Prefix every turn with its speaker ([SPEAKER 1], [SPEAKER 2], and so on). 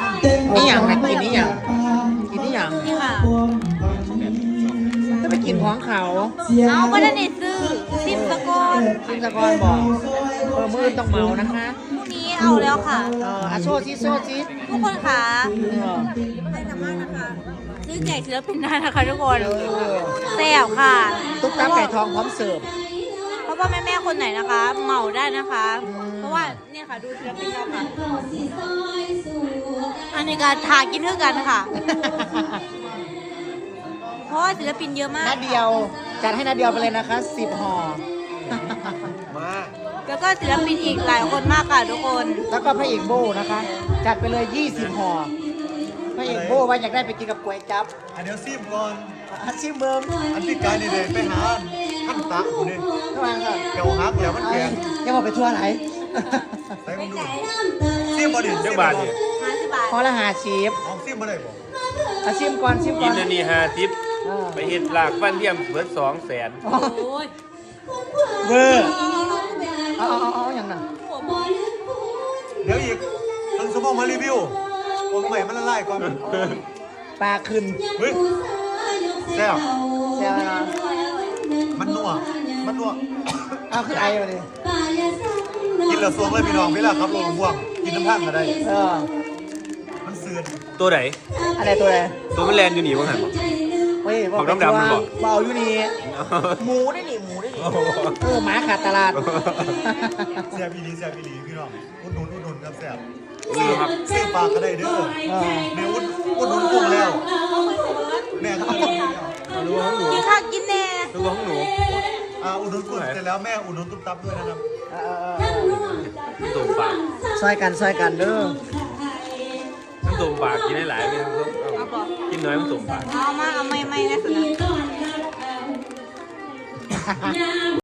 [SPEAKER 1] นี่อย่างไรกินนี่อย่างกินนี่อย่าง
[SPEAKER 2] นี่ค่ะ
[SPEAKER 1] จะไปกินของเขา
[SPEAKER 2] เอาไม่ได้ซื้อซิมสกอน
[SPEAKER 1] ซิมสกรบอกมือต้องเมานะคะ
[SPEAKER 2] พรุ่งนี้เอาแล้วค่ะ
[SPEAKER 1] อาโซชิโซชิ
[SPEAKER 2] ทุกคนค่ะใครสามารถนะคะซื้อแจกศิลปินได้นะคะทุกคนแซ่บค่ะ
[SPEAKER 1] ตุ๊กตาไก่ทองพร้อมเสิร์ฟ
[SPEAKER 2] เพราะว่าแม่ๆคนไหนนะคะเหมาได้นะคะ เพราะว่าเนี่ยค่ะดูศิลปินเราค่ะอันนี้การทากินเท่ากันค่ะ เพราะว่าศิลปินเยอะมาก
[SPEAKER 1] นาเดียวจัดให้นาเดียวไปเลยนะคะ10 ห่อ
[SPEAKER 3] มา
[SPEAKER 2] แล้วก็ศิลปินอีกหลายคนมากค่ะทุกคน
[SPEAKER 1] แล้วก็พระเอกโบนะคะ จัดไปเลย20 ห่อพระเอกโบว่าอยากได้ไปกินกับก๋วยจั๊บ
[SPEAKER 3] อันเดี๋ยวซิมก่อน
[SPEAKER 1] ชิมเบิร์ม
[SPEAKER 3] อันที่กายนี่เลยไปหาท่านตาคุณนี่
[SPEAKER 1] ระวังค่ะ
[SPEAKER 3] เกี่ยวฮักแล้วมันแข็ง
[SPEAKER 1] ยังบอกไปทั่วไหน
[SPEAKER 3] ใส่มันดูซิมบ่ดิ
[SPEAKER 4] จักบาทนี่
[SPEAKER 2] 50 บาท
[SPEAKER 1] พอละ50
[SPEAKER 3] เอาซิมบ่ได้บ่
[SPEAKER 1] ชิมก่อนชิมก่
[SPEAKER 4] กิ
[SPEAKER 1] อน น
[SPEAKER 4] อันนี้50ไปเฮ็ดลากฟันเทียมเบิด200,000
[SPEAKER 2] โอ้ย
[SPEAKER 1] เวอร์เอาอย่างนั้น
[SPEAKER 3] เดี๋ยวอีกท่านสมองมารีวิวโอ้ยใหม่มันละลายก่อน
[SPEAKER 1] ปลาขึ้น
[SPEAKER 3] เฮ้ยแซ่บ
[SPEAKER 1] แซวนะ
[SPEAKER 3] มันนัวมันนัว
[SPEAKER 1] เอาคือไอมาเลย
[SPEAKER 3] กินแล้วสวงเลยพี่น้องเวลาขับรถห่วงกินน้ำพังก็ได้ มันเสื่อน
[SPEAKER 4] ตัวไหน
[SPEAKER 1] อะไรตัวอะไร
[SPEAKER 4] ตัวมันแลนอยู่นี่ว่าหั่นบ่
[SPEAKER 1] เฮ้ย
[SPEAKER 4] ของดำๆมันบอก
[SPEAKER 1] เบาอยู่นี่หมูได้นี่หมูได้นี่หมาขาดตลาด
[SPEAKER 3] แซ่บอีหลีแซ่บอีหลีพี่น้องอุดหนุนครับแซ่บ
[SPEAKER 4] ซื้อครับ
[SPEAKER 3] ซื้อปลาก็ได้เด้อแม่อุดหนุนกุ้งแล้วแม่ก็อุดหนุน
[SPEAKER 4] ดูของหนู
[SPEAKER 2] กินข้าวกินแน่
[SPEAKER 4] ดูของหนู
[SPEAKER 3] อุดหนุนกุ้งเสร็จแล้วแม่อุดหนุนตุ๊บตับด้วยนะครับ
[SPEAKER 4] น้ำตุ่มปาก
[SPEAKER 1] ซอยกันเด้อ
[SPEAKER 4] น้ำตุ่มปากกินได้หลายไม่ต้องกินน้อยน้ำตุ่มปาก
[SPEAKER 2] เอามาเอาไม่นะสุดนะ